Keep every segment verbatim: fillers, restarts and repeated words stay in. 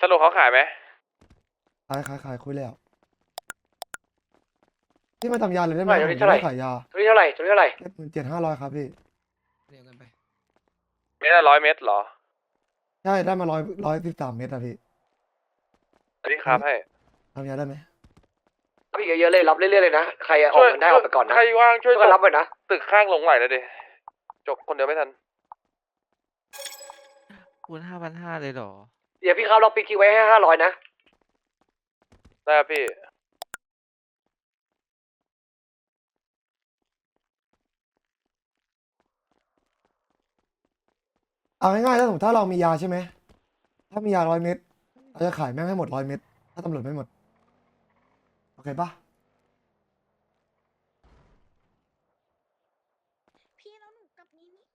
สรุปเขาขายไหมขายขายขายคุยแล้วพี่มาทำยาเลยได้ไหมเท่าไหร่ผมเท่าไหร่จะด้ขายยาตัวนี้เท่าไหร่ตัวนี้เท่าไหร่เจ็ดหมื่นเจ็ดห้าร้อยครับพี่เรียกกันไปเม็ดละร้อยเม็ดเหรอใช่ได้มาร้อยร้อยสิบสามเมตรอะพี่อันนี้ครับให้ทำยาได้ไหมรับอีกเยอะๆเลยรับเรื่อยๆเลยนะใครออกเงินได้ออกไปก่อนนะใครว่างช่วยก็รับไปนะตึกข้างหลงไหลเลยดิจบคนเดียวไม่ทันคูณห้าพันห้าเลยเหรอเดี๋ยวพี่ครับเราปิดคิวไว้ให้ห้าร้อยนะได้ครับพี่เอาง่ายๆถ้าสมมติถ้าเรามียาใช่ไหมถ้ามียาร้อยเม็ดเราจะขายแม่งให้หมดร้อยเม็ดถ้าตำรวจไม่หมดโอเคปะพี่แล้วหนูกับนี้นี่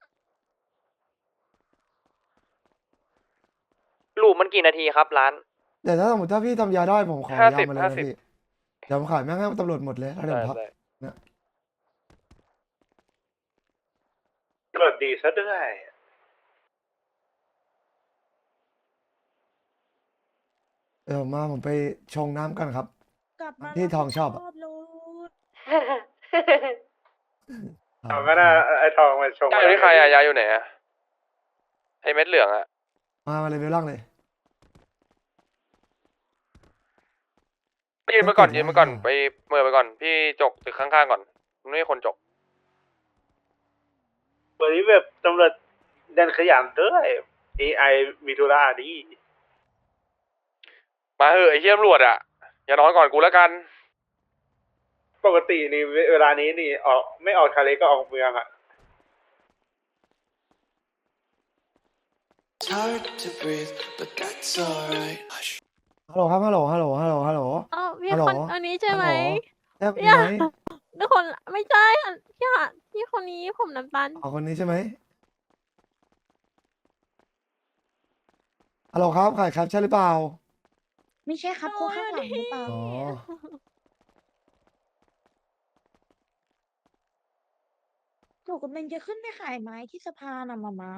ลูปมันกี่นาทีครับร้านแต่ถ้าสมมติถ้าพี่ทำยาได้ผมขอห้ายาสิบมาเลยห้านะสิบพี่เดี๋ยวผมขายแม่งให้ตำรวจหมดเลยแล้วเดี๋ยวได้ผมพักได้เนี่ยตำรวจดีซะด้วยเดี๋ยวผมมาผมไปชงน้ำกันครับกลับมาที่ทองชอบอะรเลยเอาก็ได้ไอ้ทองมาชงยาอยู่ที่ใครอะยาอยู่ไหนอะไอเม็ดเหลืองอะมามาเลยเวลล่างเลยยืนมาก่อนไม่ติดยืนมาก่อนนะไปเมื่อไปก่อน พี่จกตึกข้างๆก่อนมันไม่มีคนจกวันนี้แบบตำรวจเดินขยันด้วย เอ ไอ มีธุระดีมาเหอะไอ้เหี้ยตำรวจอะอย่านอนก่อนกูแล้วกันปกตินี่เวลานี้นี่ออกไม่ออกทะเลก็ออกเมืองอ่ะ It's hard to breathe, but that's alright. Hush. ฮัลโหลครับฮัลโหลฮัลโหลฮัลโหลฮัลโหลอ๋อพี่ฮัลโหลคนอันนี้ใช่ไหมแอบอยู่อย่าไหนทุกคนไม่ใช่อันพี่อะพี่คนนี้ผมน้ำตาลอ๋อคนนี้ใช่ไหมฮัลโหลครับขายครับใช่หรือเปล่าไม่ใช่ครับโอ้โคยข้างหลังหรือเปล่าอ๋อหนูกำลังจะขึ้นไปขายไม้ที่สะพานอะมามา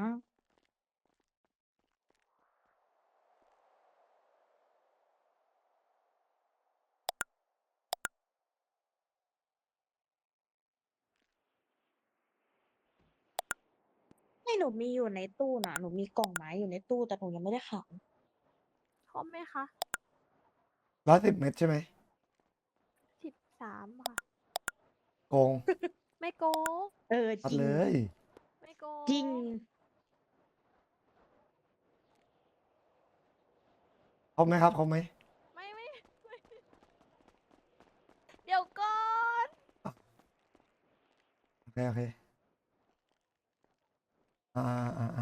ให้หนูมีอยู่ในตู้น่ะหนูมีกล่องไม้อยู่ในตู้แต่หนูยังไม่ได้ขายครบไหมคะร้อยสิบเม็ดใช่ไหมสิบสามค่ะโกงไม่โกงเออตัดจริงเลยไม่โกงจริงครบไหมครับครบไหมไม่ไม่ไม่เดี๋ยวก่อนโอเคโอเคอ่าอ่าอ่า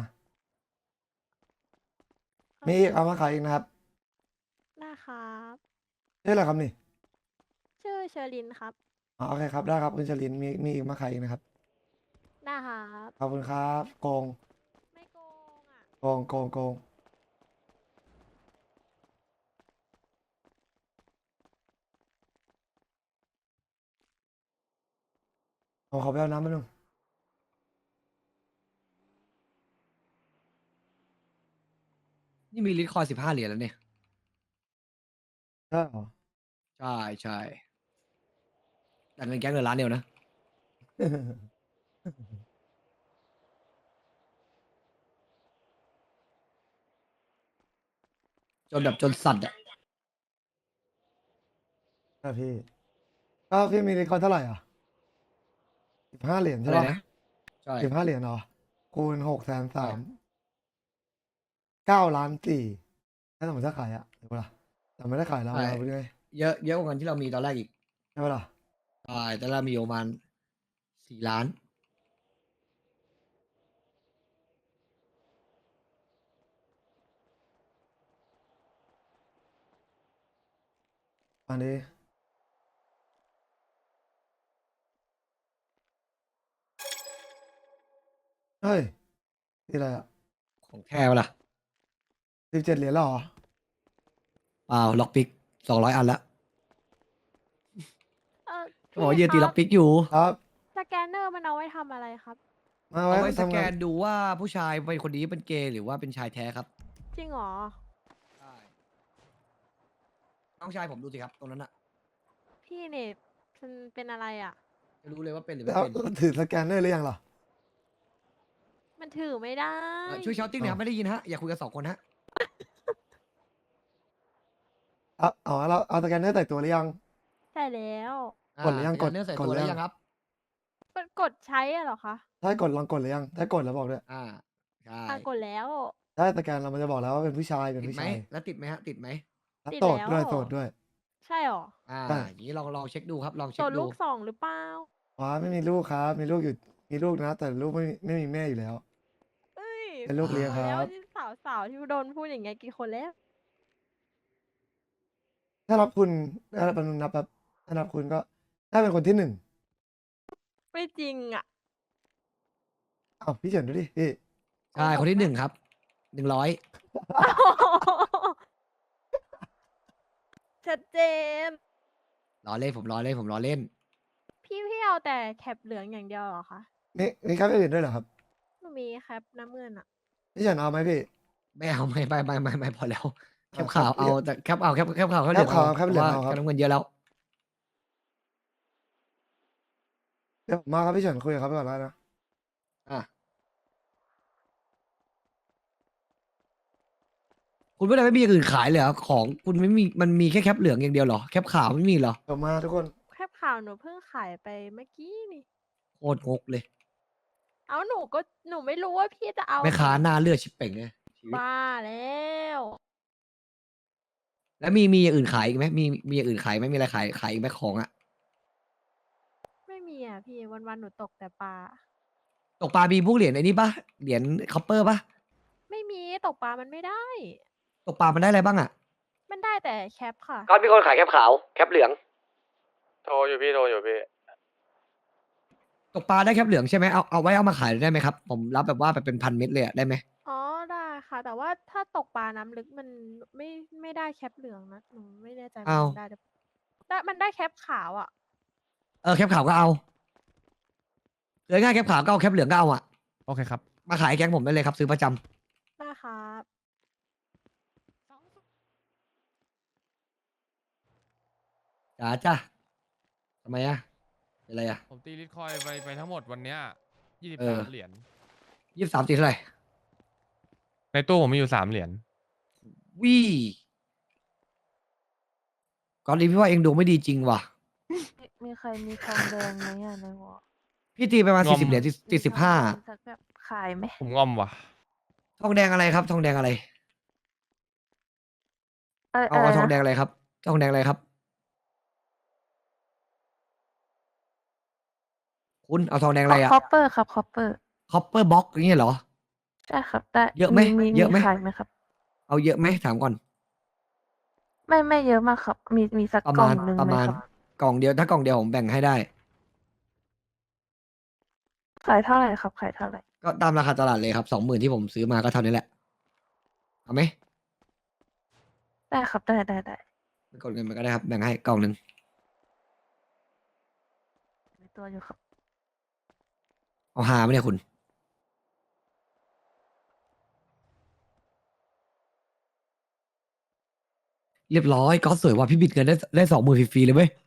มีอีกเอามาขายอีกนะครับนะครับชื่ออะไรครับนี่ชื่อเชอรินครับอ๋อโอเคครับได้ครับคุณชลินมีมีอีกมาขายอีกนะครับนะครับขอบคุณครับโกงไม่โกงอ่ะโกงโกงโกงผมขอไปเอาน้ำแป๊บนึงนี่มีลิตรคอยสิบห้าเหรียญแล้วเนี่ยใช่เหรอใช่ใช่แต่เงินแก๊งเงินล้านเดียวนะ จนแบบจนสัตว์อ่ะใช่พี่ก็พี่มีรีคอร์ดเท่าไหร่อ่ะสิบห้าเหรียญอะใช่ไรปะนะ ใช่สิบห้าเหรียญเหรอคูณหกแสนสามเก้าล้านสี่ถ้าสมมติถ้าขายอ่ะเดี๋ยวเปะล่าแต่ไม่ได้ขายแล้วเราไปด้วยเยอะเยอะกว่าเงินที่เรามีตอนแรกอีกใช่ปะล่ะใช่ตอนแรกมีอยู่ประมาณสี่ล้านอันนี้เฮ้ยนี่อะไรอ่ะของแท้ปะล่ะสิบเจ็ดเหรียญแล้วเหรอเปล่าล็อกปิกสองร้อยอันแล้วเออเขาบอกว่ายืพี่นตีคล็รัอบ กปิกอยู่ครับสแกนเนอร์มันเอาไว้ทำอะไรครับมาเอาไว้ไว้สทำแกงานนดูว่าผู้ชายเป็นคนนี้เป็นเกย์หรือว่าเป็นชายแท้ครับจริงเหรอใช่น้องชายผมดูสิครับตรงนั้นอะพี่เนี่ยมันเป็นอะไรอ่ะจะรู้เลยว่าเป็นหรือไม่แล้วเป็นถือสแกนเนอร์หรือยังล่ะมันถือไม่ได้เอ่อช่วยเชาติ้งหน่อยครับไม่ได้ยินฮะอย่าคุยกันสองคนฮะเอาเอาเราเอาสแกนเนอร์ใส่ตัวหรือยังใช่แล้วกดหรือยังากดเนื้อใส่กดตัวหรือแล้วยังยังครับมันกดใช้อะเหรอคะถ้ากดลองกดหรือยัง ถ้ากดแล้วบอกด้วยอ่าใช่อ่ะกดแล้วถ้าสแกนเรามันจะบอกแล้วว่าเป็นผู้ชายเป็นติดผู้ไหมชายแล้วติดไหมฮะติดไหมแล้วติดโสดแล้วด้วยโสดด้วยใช่หรออ่าใช่อย่างนี้ลองลองเช็คดูครับลองเช็ตัคว ดูลูกสองหรือเปล่าว้าไม่มีลูกครับ มีลูกอยู่มีลูกนะ แต่ลูกไม่มีไม่มีแม่อยู่แล้วเอ้ยเป็นลูกเลี้ยงครับแล้วสาวสาวๆที่โดนพูดอย่างเงี้ยกี่คนแล้วถ้ารับคุณถ้ารับนับแบบถ้านับคุณก็ถ้าเป็นคนที่หนึ่งไม่จริงอ่ะอ้าวพี่เฉินดูดิพี่ใช่คนที่หนึ่งครับหนึ่งร้อยชัดเจนล้อเล่นผมล้อเล่นผมล้อเล่นพี่พี่เอาแต่แคปเหลืองอย่างเดียวเหรอคะมีมีครับอื่นด้วยเหรอครับหนูมีแคปน้ำเงินอ่ะพี่เฉินเอาไหมพี่ไม่เอาไม่ไม่ไม่ไม่ไม่พอแล้วแคอ่ะปข่าวครับเอาแต่แคปเอาแคปแคปข่าวเขาเหลืองแคปข่าวแคปเหลืองพราะเอาว่าครับแคปน้ำเงินเยอะแล้วเดี๋ยวผมมาครับพี่เฉินคุยกับเขาไปก่อนแล้วนะอ่ะคุณไม่ได้ไม่มีอย่างอื่นขายเลยเหรอของคุณไม่มีมันมีแค่แคปเหลืองอย่างเดียวเหรอแคปขาวไม่มีเหรอเดี๋ยวมาทุกคนแคปข่าวหนูเพิ่งขายไปเมื่อกี้นี่โคตรงกเลยเอาหนูก็หนูไม่รู้ว่าพี่จะเอาแม่ค้าหน้าเลือดชิบเป่งเลยชีวิตบ้าแล้วแล้วมีมีอย่างอื่นขายอีกไหมมีมีอย่างอื่นขายไหมมีอะไรขายขายอีกไหมของอะไม่มีอ่ะพี่วันๆหนูตกแต่ปลาตกปลามีพวกเหรียญไอ้นี่ปะเหรียญคอปเปอร์ปะไม่มีตกปลามันไม่ได้ตกปลามันได้อะไรบ้างอะมันได้แต่แคปค่ะก็มีคนขายแคปขาวแคปเหลืองโทรอยู่พี่โทรอยู่พี่ตกปลาได้แคปเหลืองใช่ไหมเอาเอาไว้เอามาขายได้ไหมครับผมรับแบบว่าแบบเป็นพันเม็ดเลยอะได้ไหมอ๋อได้ค่ะ แต่ว่าถ้าตกปลาน้ำลึกมันไม่ไม่ได้แคปเหลืองนะหนูไม่แน่ใจว่าเอามันได้หรือได้มันได้แคปขาวอ่ะเออแคปขาวก็เอาเหลือง่ายแคปขาวก็เอาแคปเหลืองก็เอาอะโอเคครับมาขายแก๊งผมได้เลยครับซื้อประจำได้ครับจ้าจ้าทำไมอะเป็นไรอะผมตีลิตคอยน์ไปไปทั้งหมดวันเนี้ยยี่สิบเอสาอมเหรียญยี่สิบสามตีเท่าไหร่ในตู้ผมมีอยู่สามเหรียญวี่ก่อนนี้พี่ว่าเองดวงไม่ดีจริงว่ะมีใครมีทองแดงไหมอ่ะในหัวพี่ตีไปประมาณงอสี่มสิบเหรียญตีสิบห้าสักแบบขายไหมผมงอมว่ะทองแดงอะไรครับ ทองแดงอะไรเออเอาเอาทองแดนะงอะไรครับ ทองแดงอะไรครับ คุณเอาทองแดงอะไรอะคอปเปอร์ครับคอปเปอร์คอปเปอร์บ็อกอย่างเงี้ยเหรอใช่ครับได้เยอะไหมมีเยอะไหมขายไหมครับเอาเยอะไหมถามก่อนไม่ไม่เยอะมากครับ มีมีสักประกล่มาองณหนึ่งประไหมมาณครับกล่องเดียวถ้ากล่องเดียวผมแบ่งให้ได้ขายเท่าไหร่ครับขายเท่าไหร่ก็ตามราคาตลาดเลยครับสองหมื่นที่ผมซื้อมาก็เท่านี้แหละ เอาไหมได้ครับได้ได้ได้ไปกดเงินมาก็ได้ครับ แบ่งให้กล่องหนึ่งมีตัวอยู่ครับเอาหาไหมเนี่ยคุณ เรียบร้อยก็สวยว่ะพี่บิดเงินได้ได้สองหมื่นฟรีๆเลยเว้ย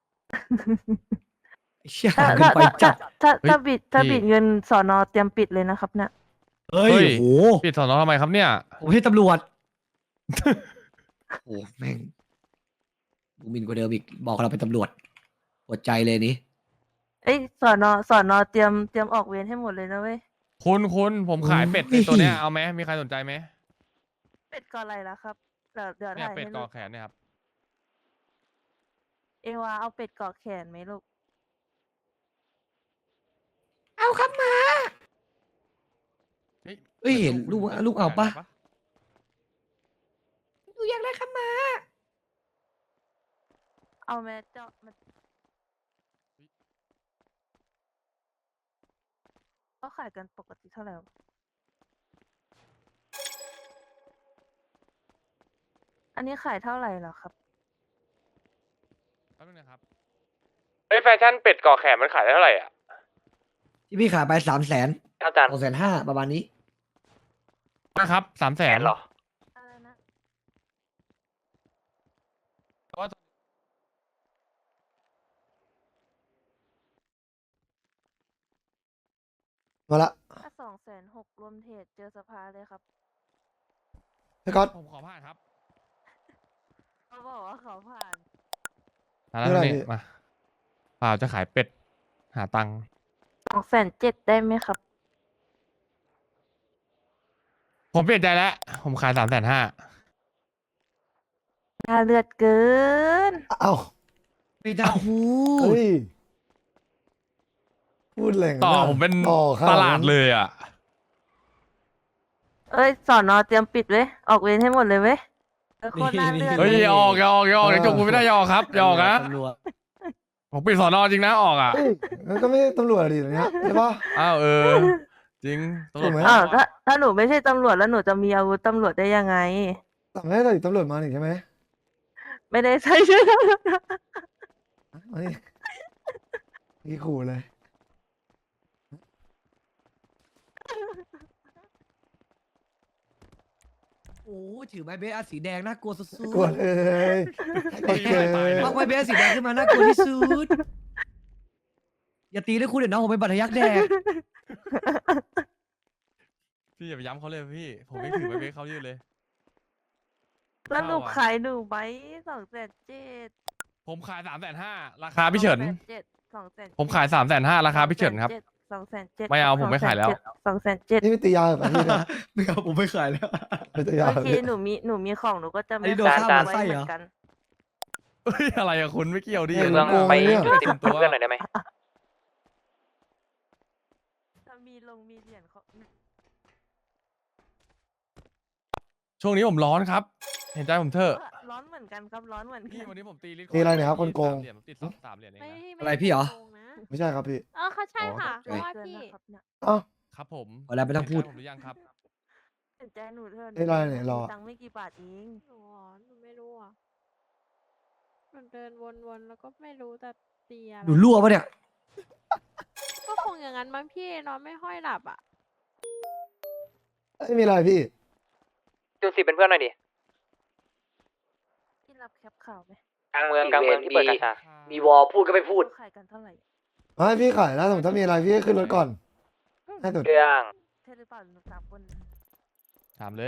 ไอ้เชี่ยถ้าหาเงินถ้าไปถ้าจัดถ้าเฮ้ยถ้าบิดถ้าพี่บิดเงินสอนอเตรียมปิดเลยนะครับเนี่ยเฮ้ยเฮ้ยโหปิดสอนอทำไมครับเนี่ยผมให้ตำรวจ โอ้แม่งบูมินกว่าเดิมอีก บอกเราเป็นตำรวจปวดใจเลยนี้เอ้ยสอนอสอนอเตรียมเตรียมออกเวรให้หมดเลยนะเว้ยคุณคุณผมขายเป็ดโอ้ยในตัวเนี้ยเอาไหมมีใครสนใจไหมเป็ดก่ออะไรล่ะครับเดี๋ยวเดี๋ยวเนี่ยถ่ายเป็ดให้กลูอก แขนเนี่ยครับเอวาเอาเป็ดเกาะแขนไหมลูกเอาครับมาเฮ้ยเอ้ยเห็นคุณลูกคุณลูกเอาปะได้ดูอยากได้ครับมาเอาแม่เจาะมาก็ขายกันปกติเท่าไหร่วะอันนี้ขายเท่าไหร่เหรอครับแป๊บนึงนะครับเฮ้ยแฟชั่นเป็ดก่อแขนมันขายได้เท่าไหร่อ่ะที่พี่ขายไปสามแสนอาจารย์สองแสนห้าประมาณนี้นะครับสามแสแสนนเหรออะไรนะมาละถ้าสองแสนหกรวมเทรดเจอสภาเลยครับพี่ก๊อตผมขอผ่านครับเขาบอกว่าเขาผ่านมาแล้วเท่าไหร่นี่พี่มาเปล่าจะขายเป็ด หาตังค์สองแสนเจ็ดได้ไหมครับผมเปลี่ยนใจแล้ว ผมขายสามแสนห้าน่าเลือดเกินเอ้าไม่ได้พูเฮ้ดยพูดแหล่งต่อนะผมเป็นต่อขนตนั้นลาดเลยอ่ะเอ้ยสอนอเตรียมปิดเว้ย ออกเวรให้หมดเลยเว้ยเออโคตรน่าเลือดเฮ้ยเลยอย่าออกอย่าออกอย่าออกเดี๋ยวจบกูไม่ได้อย่าออกครับอย่าออกนะตำรวจผมปิดสอนอจริงนะออกอ่ะเฮ้ยงั้นก็ไม่ใช่ตำรวจดิอย่างเนี้ยใช่ปะอ้าวเออ จริงตำรวจถูกไหมอ้าวถ้าถ้าหนูไม่ใช่ตำรวจแล้วหนูจะมีอาวุธตำรวจได้ยังไงแต่ไม่ได้ใส่ตำรวจมาหนิใช่ไหมไม่ได้ใช่ใช่ไหมมานี่นี่ขู่เลยโอ้ถือไม้เบสอันสีแดงน่ากลัวสุดๆกดเลยกดเลยเอาไม้เบสสีแดงขึ้นมาน่ากลัวที่สุด อย่าตีด้วยคุณเดี๋ยวน้องผมเป็นบัตรทะยักแดกพี่อย่าไปย้ำเขาเลยพี่ ผมไม่ถือไปเบสเขายืดเลยแล้วหนูเข้าอะขายหนูไหมสองแสนเจ็ดผมขายสามแสนห้าราคาพี่เฉินเจ็ดสองแสนผมขายสามแสนห้าราคาพี่เฉินครับสองแสนเจ็ดไม่เอาผมไม่ขายแล้วสองแสนเจ็ดนี่ไม่ตียาแบบนี้นะไม่เอาผมไม่ขายแล้วไม่ตียาโอแบบเคนี้หนูมีหนูมีของหนูก็จะอันไม่นี้โดนขายข้าวไว้ไส้เหเหรมืออนกันเฮ้ยอะไรอะคุณไม่เกี่ยวดิเฮ้ยเมืองโกงไปเนี่ยติดตัวเพื่อนหน่อยได้ไหมถ้ามีลงมีเหรียญเขาช่วงนี้ผมร้อนครับ เห็นใจผมเถอะร้อนเหมือนกันครับร้อนเหมือนพี่กันวันนี้ผมตีลิตตีอะไรเนี่ยครับคนโกงสามเหรียญผมติดสองสามเหรียญเองไม่นะไม่อะไรพี่เหรอโกงนะไม่ใช่ครับพี่เออเขาใช่อ๋อค่ะตกใจเพราะว่าเกินพี่นะครับเนี่ยเอ้าครับผมเอาแล้วไม่ต้องพูดเห็นใจผมหรือยังครับเห็นใจหนูเถอะนี่อะไรเนี่ยรอมีตังค์ไม่กี่บาทเองหนูอ๋อหนูไม่รู้อ่ะหนูเดินวนๆแล้วก็ไม่รู้แต่ตีอะไรหนูรั่วปะเนี่ยก็คงอย่างนั้นบางพี่นอนไม่ค่อยหลับอ่ะไม่มีอะไรพี่จูนสิเป็นเพื่อนหน่อยดิพี่รับแคปข่าวไหมกลางเมืองกลางเมืองที่เปิดกาชามีวอลพูดก็ไม่พูดเขาขายกันเท่าไหร่ไม่พี่ขายแล้วสมมติถ้ามีอะไรพี่ก็ขึ้นรถก่อนให้สุดเรื่องใช่หรือเปล่าหนูสามคนถามเลย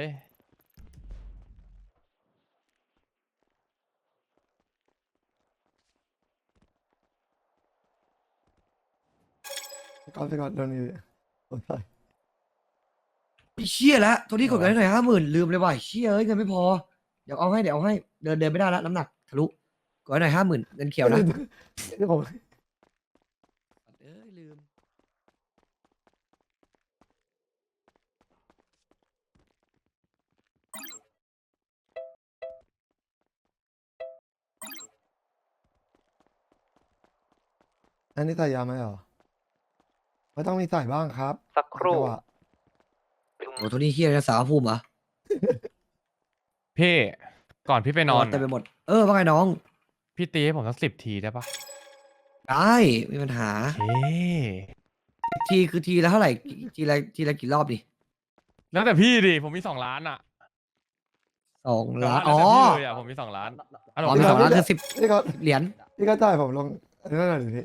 ก่อนไปก่อนโดนอยู่โอ้ยไอ้เชี่ยแล้วตัวนี้กดกันให้หน่อยห้าหมื่นลืมเลยว่ะเชี่ยเอ้ยเงินไม่พอ เดี๋ยวเอาให้เดี๋ยวเอาให้เดินเดินไม่ได้แล้วน้ำหนักทะลุกดให้หน่อยห้าหมื่นเงินเขียวนะนี่ผมเอ้ยลืมอันนี้ใส่ยาไหมเหรอไม่ต้องมีใส่บ้างครับสักครู่จังหวะโอ้ตัวนี้เฮียนะสาวภูมิเหรอพี่ก่อนพี่ไปนอนเต็มไปอะหมด เออว่าไงน้องพี่ตีให้ผมสักสิบทีได้ปะได้ไม่มีปัญหาเฮ้ทีคือทีละเท่าไหร่กี่ทีละทีละกี่รอบดิแล้วแต่พี่ดิผมมีสองล้านอ่ะสองแต่ล้านว่าอ๋อแล้วแต่พี่เลยอ่ะผมมีสองล้านอ่ะอ๋อมีสองล้านคือสิบพี่ก็เหรียญพี่ก็จ่ายผมลงอันนั้นหน่อยดิพี่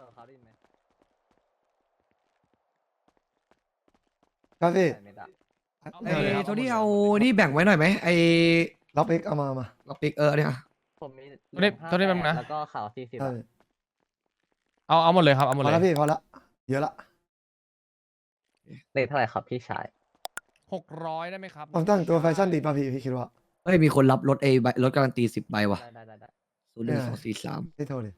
ครับพี่ไอ้ตัวนี้เอานี่แบ่งไว้หน่อยไหมไอ้รับเอ็กเอามามาล็อกปิกเออเนี่ยผมมีตัวนี้ตัวนี้แป๊บนึงนะแล้วก็ข่าวสี่สิบใช่เอาเอาหมดเลยครับเอาหมพดอเลแล้วยพี่พอละเยอะละเลทเท่าไหร่ครับพี่ชายหกร้อยได้ไหมครับผมตั้งตัวแฟชั่นดีป่ะพี่พี่คิดว่าเฮ้ยมีคนรับรถเอใบรถการันตีสิบใบว่ะได้ได้ได้ได้ศูนย์หนึ่งสองสี่สามพี่โทรดิ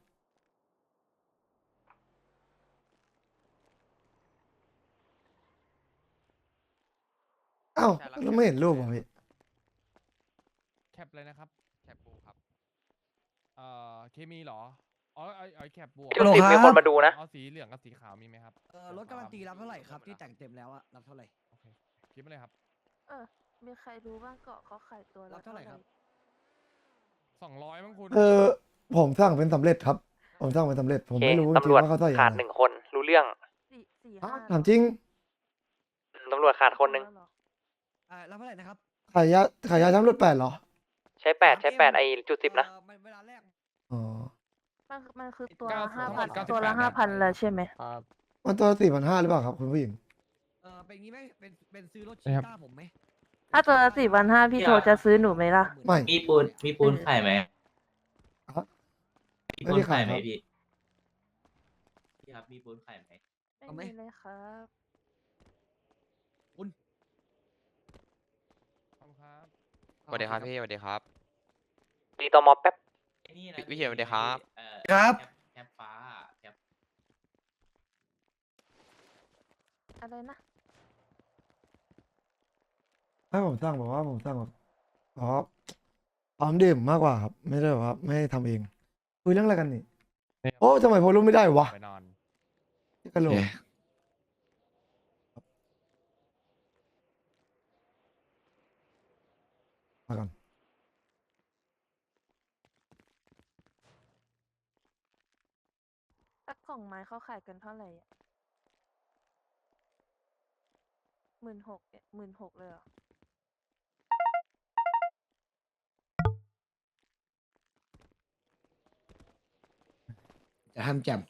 เอ้าแล้วไม่เห็นรูปเหรอพี่แคปเลยนะครับแคปบูครับเอ่อเคมีเหรออ๋อไอไอแคปบูจูนสิมีคนมาดูนะเอาสีเหลืองกับสีขาวมีไหมครับเออรถการันตีรับเท่าไหร่ครับที่แต่งเต็มแล้วอะรับเท่าไหร่โอเคคิดมาเลยครับเออ มีใครรู้บ้างเกาะเขาขายตัวรัละบเท่าไหร่ครับสองร้อยมั้งคุณเออผมสั่งเป็นสำเร็จครับ ผมสั่งเป็นสำเร็จ ผมโอเคไม่รู้จริงตำรวจๆว่าเขาใส่ยังขาดไงหนึ่งคน รู้เรื่องสี่สี่ฮะห้าถามจริงตำรวจขาดคนหนึ่งเหรออ่ารับเท่าไหร่นะครับขายยาขายยาช้ำรถแปดเหรอใช้แปดใช้แปดไอจุดสิบนะเออเวลาแรกอ๋อมันมันคือตัวเก้าละห้าทั้งหมพันดเก้าสิบตัวละแปดห้าพันแล้วใช่ไหมครับมันตัวสี่พันห้าหรือเปล่าครับคุณผู้หญิงอเป็นงี้ไหมเป็นเป็นซื้อรถนะชีครับต้าผมไหมถ้าตัวละสี่พันห้าพี่โทจะซื้อหนูไหมล่ะไม่มีปูนมีปูนขายไหมครับมีไม่ปูได้นขาขาย ยคไหมรับพี่พี่ครับมีปูนขายไหมเอาไหมไม่มีเลยครับขอบคุณครับสวัสดีครับพี่สวัสดีครับตีตอมอแป๊บไอ้นี่นะพี่เขียวสวัสดีครับเอ่อครับแคปแคปฟ้าแคปอะไรนะให้ผมสั่งบอกว่าผมสั่งแบบอ๋อพร้อมดื่มมากกว่าครับ ไม่ได้แบบว่าไม่ให้ทำเองคุยเรื่องอะไรกันนี่เนี่ยโอ้ทำไมโพลุไม่ได้วะไปนอนกระโหลกมาก่อนถ้ากล่องไม้เขาขายกันเท่าไหร่อ่ะหมื่นหกเนี่ยหมื่นหกเลยเหรอจะทำแจม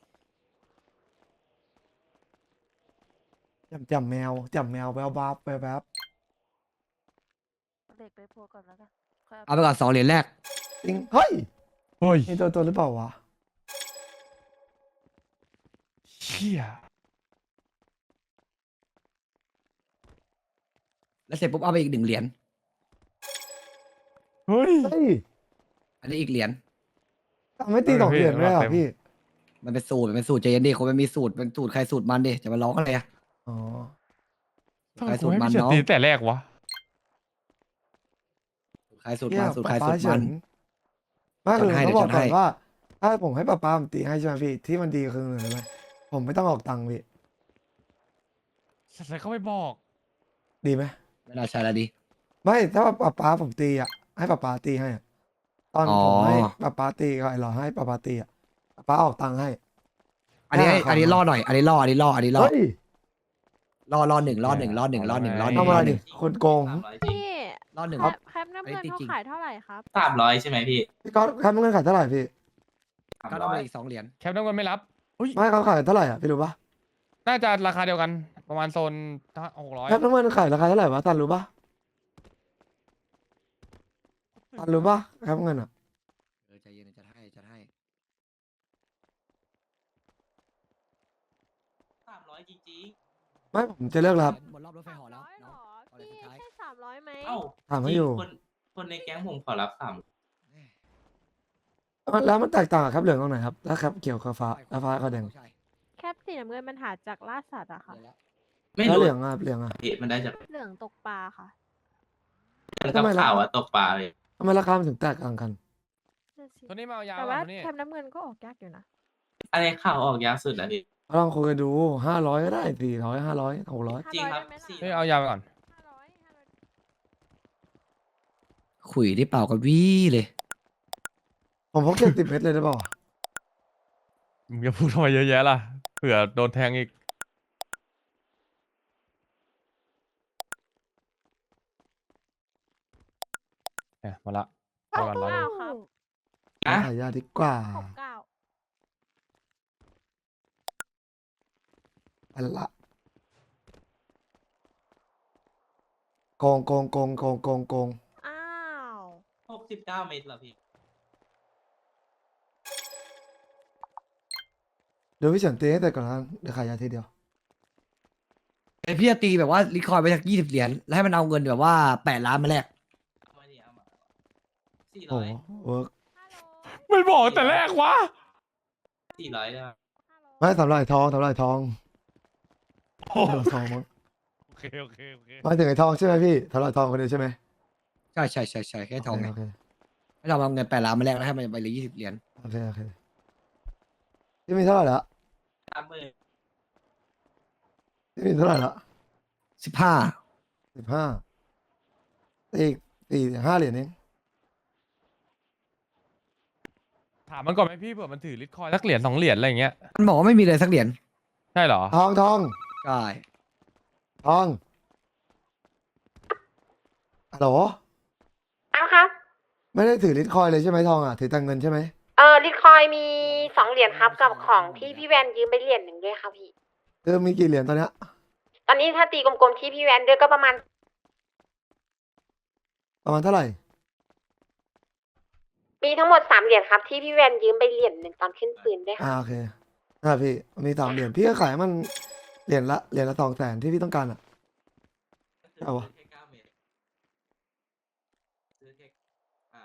จำจำแมวจำแมวแววบับแววบับเอาเด็กไปโพลก่อนแล้วกันค่อยเอาเอาไปก่อนสองเหรียญแรกจริงเฮ้ยเฮ้ยนี่ตัวตัวหรือเปล่าวะเชี่ยแล้วเสร็จปุ๊บเอาไปอีกหนึ่งเหรียญเฮ้ยเฮ้ยอันนี้อีกเหรียญทำไม่ตีสองเหรียญเลยเหรอเต็มพี่มันเป็นสูตรมันเป็นสูตรใจเย็นดิคนมันมีสูตรเป็นสูตรใครสูตรมันดิจะมาร้องอะไรอะอ๋อทำไมใครกูสูตรให้มันพี่เฉินเนาะตีแต่แรกวะใครสูตรเหี้มัยนสูตรใครป๊าสูป๊าตรเฉิมันนไม่คือจัดให้ต้องบอกเดี๋ยวจัดก่อนให้ว่า ถ้าผมให้ป๊าป๊าผมตีให้ใช่ไหมพี่ที่มันดีคือหนึ่งเลยไหมผมไม่ต้องออกตังค์พี่ใส่เข้าไปบอกดีไหมไม่น่าใช่ละดิไม่ถ้าป๊าป๊าผมตีอ่ะให้ป๊าป๊าตีให้อะตอนอ๋อผมให้ป๊าป๊าตีก็ไอ้หรอให้ป๊าป๊าตีอ่ะป๊าป๊าออกตังค์ให้อันนี้ห้าอันนี้คำล่อหน่อยอันนี้ล่ออันนี้ล่ออันนี้ล่อเฮ้ยล่อล่อหนึ่งล่อหนึ่งล่อหนึ่งล่อหนึ่งล่อหนึ่งทำอะไรล่อหดินึ่งคนโกงสามร้อยจริงพี่ล่อหนึ่งแคปแคปน้ำอันเงินี้นเขาจริงๆขายเท่าไหร่ครับสามร้อยใช่ไหมพี่พี่ก๊อตแคปเงินขายเท่าไหร่พี่สามก็ร้เอาอไปยอีกสองเหรียญแคปน้ำเงินไม่รับไม่เขาขายเท่าไหร่อ่ะพี่รู้ปะน่าจะราคาเดียวกัน ประมาณโซนหกร้อยแคปน้ำเงินขายราคาเท่าไหร่วะตันรู้ปะตันรู้ปะแคปเงินอ่ะเออใจเย็นจะให้จะให้สามร้อยจริงไม่ผมจะเลิกแล้วครับหมดรอบรถไฟเหอแล้วร้อยเหรน้องอเอาเลยพี่สุดท้ายใช่สามร้อยไหมๆ เอ้าถามให้จริงอยู่คนคนในแก๊งผมขอรับสามแล้วมันแตกต่างกับแคปเหลืองตรงไหนครับถ้าแคปเขียวกับฟ้าแล้วฟ้ากับแดงใช่แคปสีน้ำเงินมันหาจากล่าสัตว์อะค่ะเดี๋ยวแล้วไม่แล้วรู้เหลืองอ่ะเหลืองอ่ะพี่มันได้จากเหลืองตกปลาค่ะมันทำกับไมล่ะข่าวว่าตกปลาเลยทำไมราคามันถึงแตกต่างกันนั่นสิตัวนี้มาเอายาวแต่อ่ะว่าตัวนี้แคปน้ำเงินก็ออกยากอยู่นะอะไรข่าวออกยากสุดแล้วพี่ลองคุยกันดูห้าร้อยก็ได้สี่ร้อยห้าร้อยหกร้อยห้าจริงร้อยครับได้ไหมล่ะสี่เฮ้ยเอายาวไปก่อนห้าร้อยห้าร้อยขุยที่เปล่ากับวี่เลยผมพกเจ็ดสิบเมตรเลยได้ป่าวะมึงจะพูดทำไมเยอะแยะล่ะ เผื่อโดนแทงอีก เนี่ยมาละไปก่อนร้อยหนึ่งเก้าครับอะขายยาดีกว่าหกเก้าอันละโกงโกงโกงโกงโกงโกงอ้าวหกสิบเก้าเมตรเหรอพี่เดี๋ยวพี่เฉินตีให้แต่ก่อนนะเดี๋ยวขายยาทีเดียวไอพี่จะตีแบบว่ารีคอยไปจากยี่สิบเหรียญแล้วให้มันเอาเงินแบบว่าแปดล้านมาแลกเอามาดิเอามาสี่โอ้ร้อยเวิร์กฮัลโหลไม่บอกแต่แรกวะสี่ร้อยได้ไหมฮัลโหลไม่สำหรับไอ้ทองสำหรับไอ้ทองโอ้สำหรับทองมั้งโอเคโอเคโอเคหมายถึงไอ้ทองใช่ไหมพี่สำหรับไอ้ทองคนเดียวใช่ไหมใช่ใช่ใช่ใช่แค่ทองไงโอเคให้เราเอาเงินแปดล้านมาแลกแล้วให้มันไปเลยยี่สิบเหรียญโอเคโอเคพี่มีเท่าไหร่ละสามหมื่นพี่มีเท่าไหร่ละสิบห้าสิบห้าอีกสี่ห้าเหรียญเองถามมันก่อนไหมพี่เผื่อมันถือลิตคอยน์สักเหรียญสองเหรียญอะไรอย่างเงี้ยมันบอกว่าไม่มีเลยสักเหรียญใช่เหรอทองทองใช่ทองฮัลโหลเอาครับไม่ได้ถือลิตคอยน์เลยใช่ไหมทองอ่ะถือแต่เงินใช่ไหมเออลิตคอยมีสองเหรียญครับกับของที่พี่แวนยืมไปเหรียญหนึ่งด้วยครับพี่เออมีกี่เหรียญตอนเนี้ยตอนนี้ถ้าตีกลมๆที่พี่แวนด้วยก็ประมาณประมาณเท่าไหร่มีทั้งหมดสามเหรียญครับที่พี่แวนยืมไปเหรียญหนึ่งตอนขึ้นปืนด้วยอ่าค่ะโอเคอ่าพี่มีสามเหรียญพี่ก็ขายมันเหรียญละเหรียญละสองแสนที่พี่ต้องการอ่ะ เอาวะซื้แค่เก้าเมตรซื้อแค่อ่า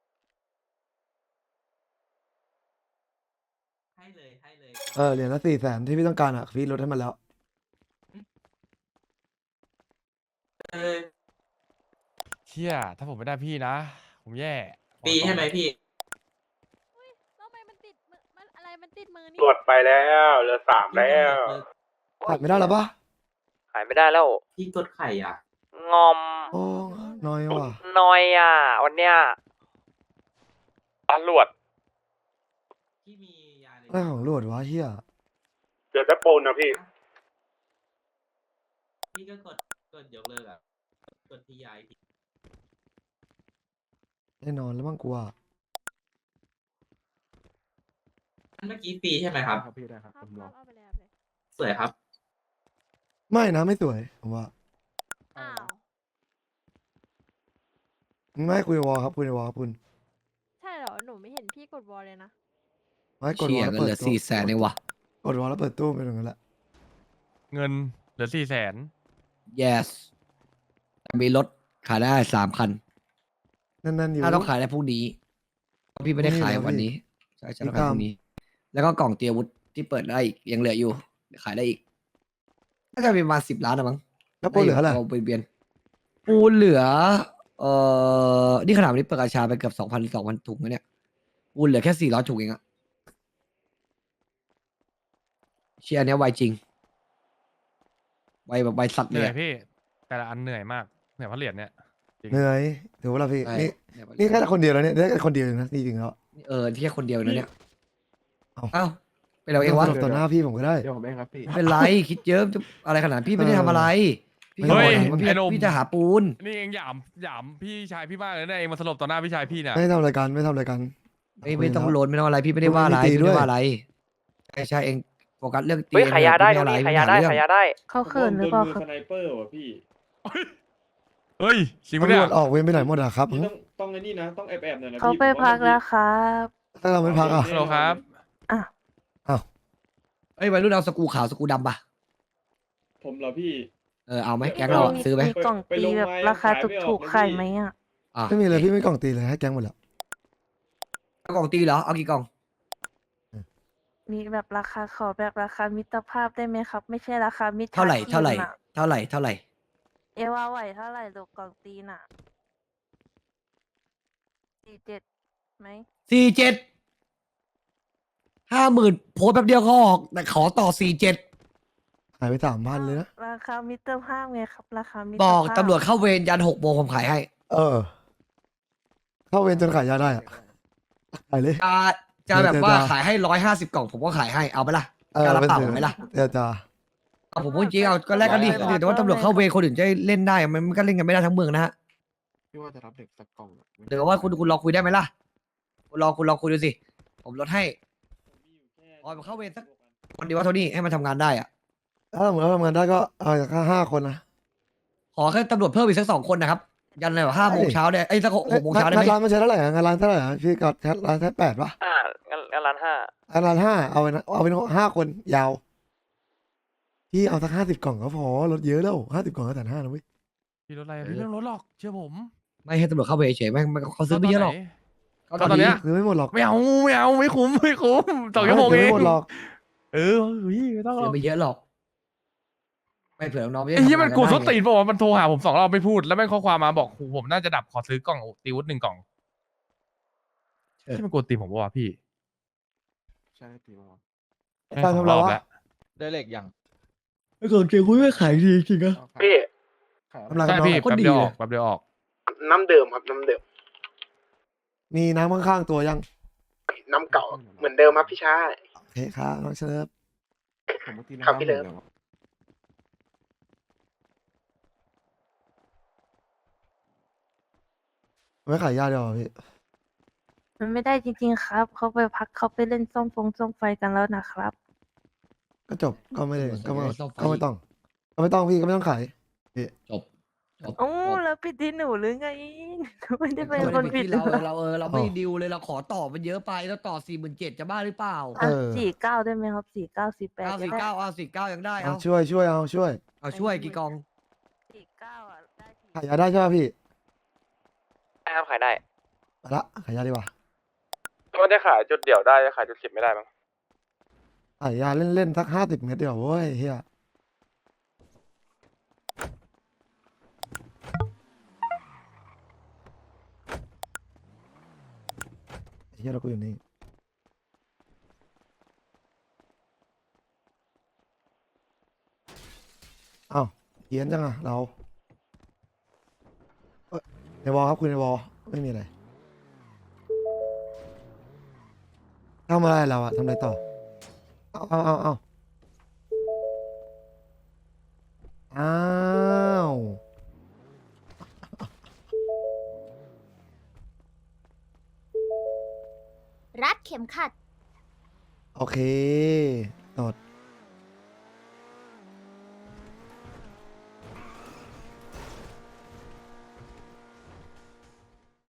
ให้เลยให้เลยเออเหรียญละสี่แสนที่พี่ต้องการอ่ะพี่ลดให้มันแล้วเออเชี่ยถ้าผมไม่ได้พี่นะ ผมแย่ปีใช่ไหมพี่ทำไมมันติดมือมันอะไรมันติดมือนี่ตรวจไปแล้วเหลือสามแล้วขายไม่ได้หรอปะขายไม่ได้แล้วพี่กดไข่อ่ะงอมโอ้น้อยว่ะนอยอ่ะ วันเนี้ยตำรวจพี่มียาในอะไรของรวดวะเฮียเหลือแต่ปูนนะพี่พี่ก็กดกดยกเลิกอ่ะกดที่ยาอีกทีแน่นอนแล้วมั้งกูอ่ะอันเมื่อกี้ฟรีใช่ไหมครับครับพี่ได้ครับครับผมรอเอาไปเลยเอาไปเลยสวยครับไม่นะไม่สวยผมว่าอ้าวไม่คุยในวอลครับคุยในวอลครับคุณใช่เหรอหนูไม่เห็นพี่กดวอลเลยนะไม่กดวเชี่อย ลแล้วเงินเปิเหดลือตู้สี่แสนเองวะกดวอลแล้วเปิดตู้เป็นอย่างนั้นแหละเงินเหลือสี่แสน yes แต่มีรถขายได้สามคันนั่นๆอยู่ถ้าต้องขายได้พรุ่งนี้เพราะพี่ไม่ได้ขายพรุ่งนี้เหรอพี่วันนี้ใช่ใช่ต้องพี่ขายตามพรุ่งนี้ แล้วก็กล่องเตรียมอาวุธที่เปิดได้อีกยังเหลืออยู่ขายได้อีกน่าจะมีประมาณสิบล้านนะมั้งแล้วปูเหลืออะไราเบียนๆปูเหลือ เอ่อนี่ขนาดวันนี้เปิดกระชาไปเกือบสองพันสองพันถุงแล้วเนี่ยปูเหลือแค่สี่ร้อยถุงเองอะเชียร์เนี้ยไวจริงไวแบบไวสัตว์เหเลนื่ยอยอะพี่ แต่ละอันเหนื่อยมากเหนื่อยเพราะเหรียญเนี่ยจริงเหนื่อยถือว่าเราพี่ใช่นี่เนี่ยนี่แค่คนเดียวแล้วเนี่ยได้แค่คนเดียวเองนะจริงๆแล้วเออที่แค่คนเดียวนะเนี่ยเอ้าเอ้าเป็นเราเองวะสรุปต่อหน้าพี่ผมก็ได้เดี๋ยวผมเองครับพี่ไม่เป็นไรคิดเยอะจะอะไรขนาดนั้นพี่ไม่ได้เออทำอะไรพี่เฮ้แค่ยบอกเองว่าพี่ไอ้หนุ่มพี่จะหาปูนนี่เองหยามหยามพี่ชายพี่มากเลยนะเองมาสลบต่อหน้าพี่ชายพี่เนี่ยไม่ทำรายการไม่ทำรายการไม่ไม่ต้องโลนไม่ต้องอะไรพี่ไม่ได้ว่าอะไรไม่มีตีพี่ไม่ด้วยได้ว่าอะไรใช่ใช่เองโฟกัสเรื่องตีเฮ้ยขายยาได้ม่ตรงอะนี้รขายยาได้ม่ขายยาเรื่องได้เขาเขินหรือเปล่าครับเฮ้ยจริงปะตำรเนี่ยวจออกเวรไปไหนหมดอะครับต้องต้องไอ้นี่นะ ต้องแอบแอบหน่อยนะเขาไปพักแล้วครับถ้าเราไม่พักอ่ะฮัลโหลครับอ่ะอ้าวเอ้ยวัยรุ่นเอาสกรูขาวสกรูดำปะผมเหรอพี่เออเอาไหมแก๊งเราอะซื้อไหมมีกล่องตีแบบราคาถูกๆขายไหมอ่ะอ่ะไม่มีเลยพี่ไม่กล่องตีเลยให้แก๊งหมดแล้วเอากล่องตีเหรอเอากี่กล่องมีแบบราคาขอแบบราคามิตรภาพได้ไหมครับ ไม่ใช่ราคามิตรเท่าไหร่เท่าไหร่น่ะเท่าไหร่เท่าไหร่เอว่าไหวเท่าไหร่ลูกกล่องตีน่ะสี่เจ็ดไหมสี่เจ็ดห้าหมื่นโพสต์แป๊บเดียวก็ออกแต่ขอต่อสี่เจ็ดหายไปสามพันเลยนะราคามิตรภาพไงครับ ราคามิตรบอกภาพตำรวจเข้าเวรยันหกโมงผมขายให้เออ เข้าเวรจนขายยาได้อะขายเลยจะจะแบบว่าเดี๋ยวจะขายให้ร้อยห้าสิบกล่องผมก็ขายให้เอาไปละเออการรับเป็นเปล่าสื่อไหมล่ะเดี๋ยวจะเอาผมพูดจริงเอาก็แลกกันดิแต่ว่าตำรวจเข้าเวรคนอื่นจะเล่นได้มันมันก็เล่นกันไม่ได้ทั้งเมืองนะฮะพี่ว่าจะรับเด็กสักกล่องเดี๋ยวว่าคุณคุณลองคุยได้ไหมล่ะคุณลองคุณลองคุยดูสิผมลดให้อ๋อมันเข้าเวรสักคนเดียวว่าเท่านี้ให้มันทำงานได้อะถ้าสมมติเราทำงานได้ก็เอาจากห้าคนนะขอแค่ตำรวจเพิ่มอีกสักสองคนนะครับยันเลยว่าห้าโมงเช้าเนี่ยไอ้ยสักหกโมงเช้าได้ไหมงานร้านมันใช้เท่าไหร่อะงานร้านเท่าไหร่อะพี่ก็แค่ร้านแค่แปดปะอ่างั้นงั้นร้านห้างานร้านห้าเอาไปนะเอาเป็นห้าคนยาว พี่เอาสักห้าสิบกล่องก็พอลดเยอะแล้วห้าสิบกล่องก็แสนห้านะเว้ยพี่รถอะไรพี่ไม่ต้องรถหรอกเชื่อผมไม่ให้ตำรวจเข้าเวรเฉยๆไม่ไม่เขาซื้อไม่เยอะหรอกก็ตอนเนี้ยซื้อไม่หมดหรอกไม่เอาไม่เอาไม่คุ้มไม่คุ้มสองชั่วโมงซื้เอไม่งหมดหรอกเออเฮ้ยไม่ต้องหรซื้ออก ไม่เยอะหรอกไม่เผื่อน้องๆไม่ได้ไอ้ยี่มันทำงากูสได้ตีนบอกว่ามันโทรหาผมสองรอบไม่พูดแล้วแม่งข้อความมาบอกโหผมน่าจะดับขอซื้อกล่องตีวุฒหนึ่งกล่องที่มันกดตีผมบอกว่าพี่ใช่ตีมาการทำเราวะได้เหล็กยังไอ้กล่องเกงคุยไม่ขายดีจริงๆอะพี่กำลังใช่น้องพี่ก็แป๊บดีเดียวอเลยอกแป๊บเดียวออกน้ำเดิมครับน้ำเดิมมีน้ำข้างๆตัวยังน้ำเก่าเหมือนเดิมครับพี่ชายโอเคครับน้องเชิญครับพี่เลิฟไม่ขายยาเดียวเหรอพี่มันไม่ได้จริงๆครับ เขาไปพักเขาไปเล่นซ่อมฟงซ่อมไฟกันแล้วนะครับก็จบก็ไม่ได้ก็ไม่ซ่อมไฟก็ไม่ต้องก็ไม่ต้องพี่ก็ไม่ต้องขายจบจบโอ้จบแล้วผิดที่หนูหรือไงหนูไม่ได้เป็นไม่คนได้ผิผิดดเราหรอเราเออเราไม่ดิวเลยเราขอต่อมันเยอะไปแล้วต่อสี่หมื่นเจ็ดจะบ้าหรือเปล่าอ่ะสี่เก้าได้ไหมครับสี่เก้าสี่แปดเอาก็สี่ได้เก้าเอาสี่เก้ายังได้เอาเอาช่วยช่วยเอาช่วยเอาช่วยกี่กองสี่เก้าอ่ะได้สี่ขายยาได้ใช่ป่ะพี่ได้ครับขายได้ไปละขายยาดีกว่ามันจะขายจุดเดี่ยวได้จะขายจุดสิบไม่ได้มั้งขายยาเล่นๆสักห้าสิบเมตรเดียวเว้ยเฮียเฮียเรากูอยู่นี่อ้าวเขียนจังอะเราเอ้ยในวอลครับคุณในวอลไม่มีอะไรทำอะไรเราอะทำอะไรต่อเอาเอาเอาเอาอ้าวรัดเข็มขัดโอเคตด